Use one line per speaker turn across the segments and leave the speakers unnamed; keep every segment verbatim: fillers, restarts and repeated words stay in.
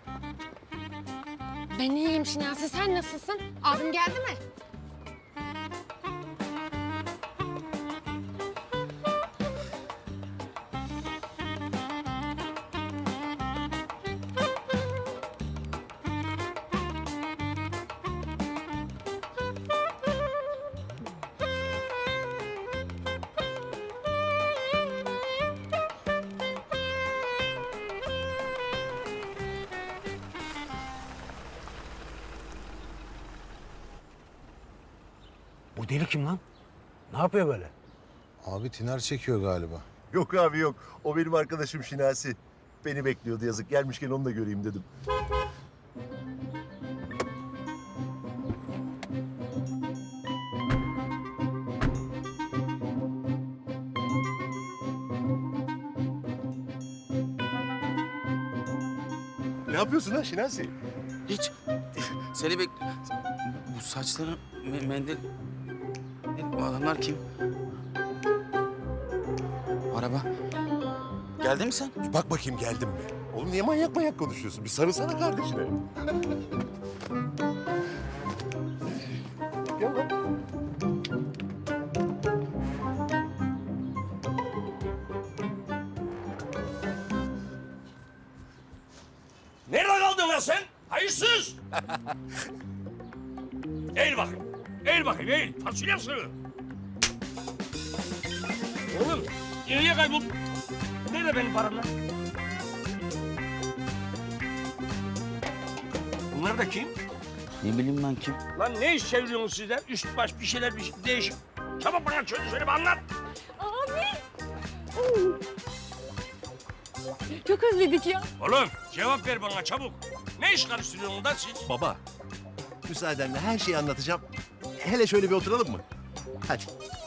Ben iyiyim Şinasi, sen nasılsın? Abim geldi mi?
Bu deli kim lan? Ne yapıyor böyle?
Abi tiner çekiyor galiba.
Yok abi yok. O benim arkadaşım Şinasi. Beni bekliyordu yazık. Gelmişken onu da göreyim dedim. Ne yapıyorsun lan Şinasi?
Hiç. Seni bek... Bu saçları me- mendil... Bu adamlar kim? Araba. Geldin mi sen?
Bir bak bakayım geldim mi? Oğlum niye manyak manyak konuşuyorsun? Bir sarılsana kardeşine. Gel lan.
Nerede kaldın lan sen? Hayırsız! Eğil bakayım. Eğil bakayım, eğil. Fasulye sığır. Oğlum, nereye kayboldun? Nerede benim param lan? Bunlar da kim?
Ne bileyim ben kim?
Lan ne iş çeviriyorsunuz sizler? Üst baş bir şeyler bir şey değişik. Çabuk bana çözü söyle bir anlat.
Çok özledik ya.
Oğlum cevap ver bana çabuk. Ne iş karıştırıyorsunuz da siz?
Baba, müsaadenle her şeyi anlatacağım. Hele şöyle bir oturalım mı? Hadi.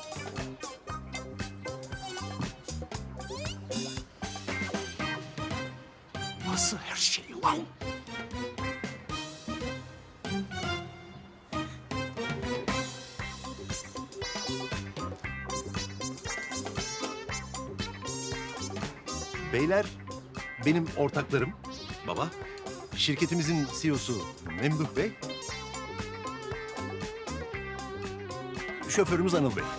Nasıl her şey lan?
Beyler benim ortaklarım. Baba. Şirketimizin C E O'su Memduh Bey. Şoförümüz Anıl Bey.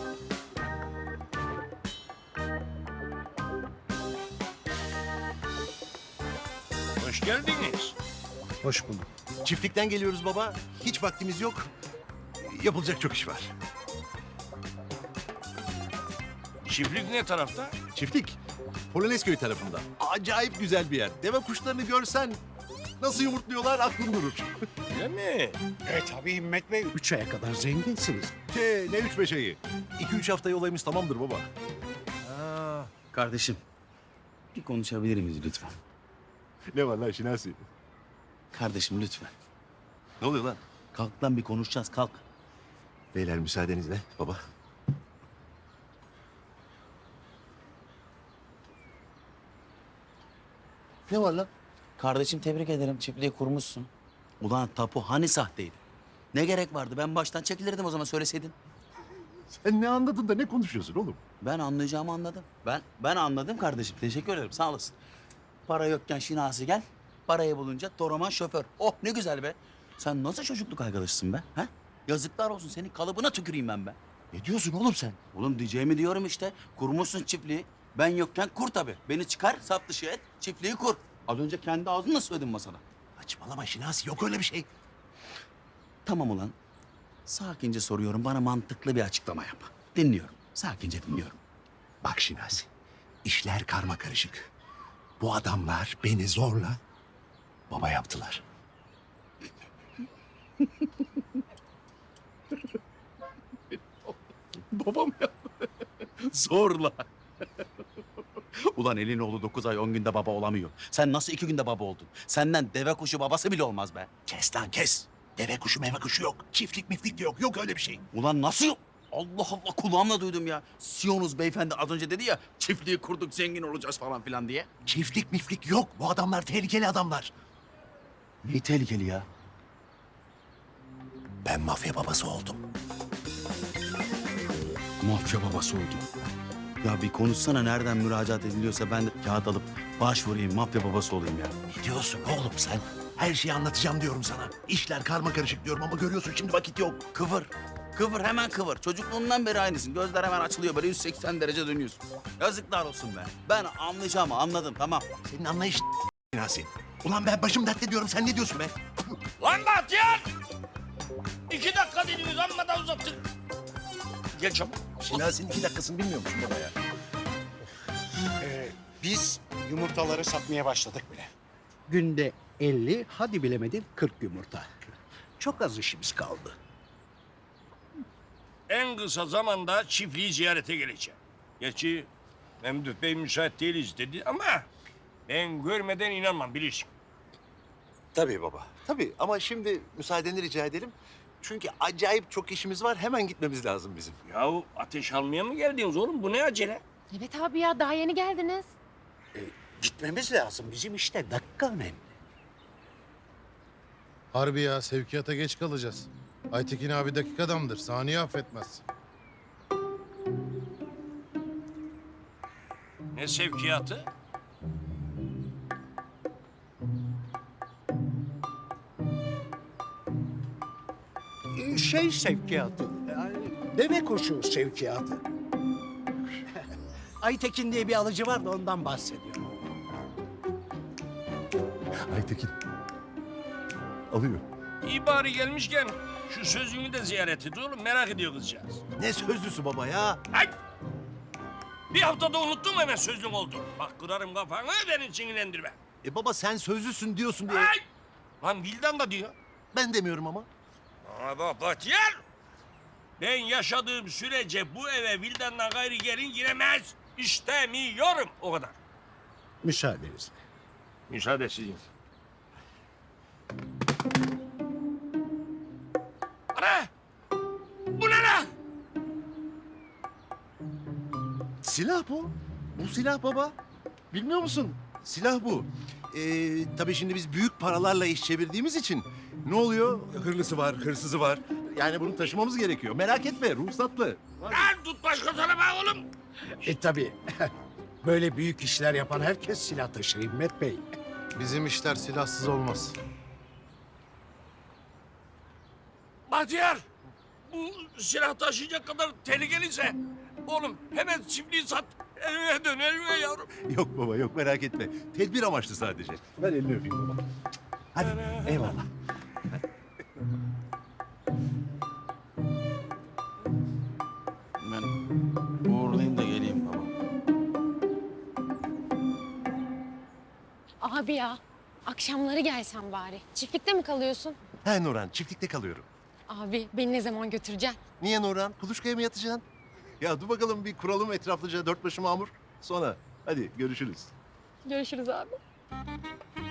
Hoş geldiniz.
Hoş bulduk.
Çiftlikten geliyoruz baba. Hiç vaktimiz yok. Yapılacak çok iş var.
Çiftlik ne tarafta?
Çiftlik Polonezköy tarafında. Acayip güzel bir yer. Deve kuşlarını görsen nasıl yumurtluyorlar aklın durur.
Öyle mi?
E tabii Himmet Bey. Üç aya kadar zenginsiniz.
Te, ne üç beş ayı. İki üç hafta olayımız tamamdır baba.
Kardeşim. Bir konuşabilir miyiz lütfen?
Ne var lan Şinasi?
Kardeşim lütfen.
Ne oluyor lan?
Kalk lan bir konuşacağız kalk.
Beyler müsaadenizle baba. Ne var lan?
Kardeşim tebrik ederim çiftliği kurmuşsun. Ulan tapu hani sahteydi? Ne gerek vardı? Ben baştan çekilirdim o zaman söyleseydin.
Sen ne anladın da ne konuşuyorsun oğlum?
Ben anlayacağımı anladım. Ben ben anladım kardeşim. Teşekkür ederim. Sağ olasın. Para yokken Şinasi gel. Parayı bulunca Toraman şoför. Oh ne güzel be. Sen nasıl çocukluk arkadaşısın be? Ha? Yazıklar olsun senin kalıbına tüküreyim ben be.
Ne diyorsun oğlum sen?
Oğlum diyeceğimi diyorum işte. Kurmuşsun çiftliği. Ben yokken kur tabii. Beni çıkar saf dışı et. Çiftliği kur. Az önce kendi ağzınla söyledin masada.
Saçmalama Şinasi yok öyle bir şey.
Tamam ulan. Sakince soruyorum. Bana mantıklı bir açıklama yap. Dinliyorum. Sakince dinliyorum.
Bak Şinasi, işler karma karışık. Bu adamlar beni zorla baba yaptılar.
Babam ya. Zorla. Ulan elin oğlu dokuz ay on günde baba olamıyor. Sen nasıl iki günde baba oldun? Senden deve kuşu babası bile olmaz be.
Kes lan kes. Deve kuşu meve kuşu yok. Çiftlik miflik de yok. Yok öyle bir şey.
Ulan nasıl yok? Allah Allah kulağımla duydum ya. Siyonuz beyefendi az önce dedi ya çiftliği kurduk zengin olacağız falan filan diye.
Çiftlik miflik yok. Bu adamlar tehlikeli adamlar.
Ne tehlikeli ya?
Ben mafya babası oldum.
Mafya babası oldu. Ya bir konuşsana nereden müracaat ediliyorsa ben de kağıt alıp başvurayım, mafya babası olayım ya.
Ne diyorsun oğlum sen? Her şeyi anlatacağım diyorum sana. İşler karma karışık diyorum ama görüyorsun şimdi vakit yok.
Kıvır. Kıvır hemen kıvır. Çocukluğundan beri aynısın. Gözler hemen açılıyor böyle yüz seksen derece dönüyorsun. Yazıklar olsun be. Ben anlayacağımı anladım tamam.
Senin anlayış Yasin. Ulan ben başım dertte diyorum sen ne diyorsun be?
Lan Bahtiyar! İki dakika dediniz amma da uzattın. Gel çabuk.
Şinasi'nin iki dakikasını bilmiyor musun baba ya?
Ee, biz yumurtaları satmaya başladık bile. Günde elli, hadi bilemedin kırk yumurta. Çok az işimiz kaldı.
En kısa zamanda çiftliği ziyarete geleceğim. Gerçi Memduh Bey müsait değiliz dedi ama ben görmeden inanmam bilirsin.
Tabii baba. Tabii ama şimdi müsaadeni rica edelim. Çünkü acayip çok işimiz var. Hemen gitmemiz lazım bizim.
Yahu ateş almaya mı geldiniz oğlum? Bu ne acele?
Evet abi ya daha yeni geldiniz.
Gitmemiz lazım. Bizim işte dakika önemli.
Harbi ya sevkiyata geç kalacağız. Aytekin abi dakik adamdır. Saniye affetmez.
Ne sevkiyatı?
Ee, Şey sevkiyatı, yani deve kuşu sevkiyatı. Aytekin diye bir alıcı var da ondan bahsediyorum.
Aytekin. Alıyor.
İyi bari gelmişken şu sözünü de ziyaret et oğlum. Merak ediyor kızcağız.
Ne sözlüsü baba ya?
Ay! Bir haftada unuttum hemen sözlüm oldu. Bak kırarım kafanı beni sinirlendirme.
E baba sen sözlüsün diyorsun diye.
Ay! Lan Vildan da diyor.
Ben demiyorum ama.
Ama bak Bahtiyar! Ben yaşadığım sürece bu eve Vildan'dan gayrı gelin giremez. İstemiyorum o kadar.
Müsaadenizle.
Müsaade sizin. Ana! Bu ne lan?
Silah bu. Bu silah baba. Bilmiyor musun? Silah bu. Ee, tabii şimdi biz büyük paralarla iş çevirdiğimiz için ne oluyor? Hırlısı var, hırsızı var. Yani bunu taşımamız gerekiyor. Merak etme, ruhsatlı.
Lan tut başkasına bak oğlum.
E tabii. Böyle büyük işler yapan herkes silah taşır Himmet Bey.
Bizim işler silahsız olmaz.
Bahtiyar! Bu silah taşıyacak kadar tehlikeliyse oğlum hemen çiftliği sat. Evine dön evine yavrum.
Yok baba, yok merak etme. Tedbir amaçlı sadece. Ben elini öpeyim baba. Hadi, eyvallah.
Ben uğurlayayım da geleyim baba.
Abi ya akşamları gelsen bari. Çiftlikte mi kalıyorsun?
He Nurhan, çiftlikte kalıyorum.
Abi beni ne zaman götüreceksin?
Niye Nurhan? Kuluçkaya mı yatacaksın? Ya dur bakalım bir kuralım etraflıca dört başı mamur. Sonra hadi görüşürüz.
Görüşürüz abi.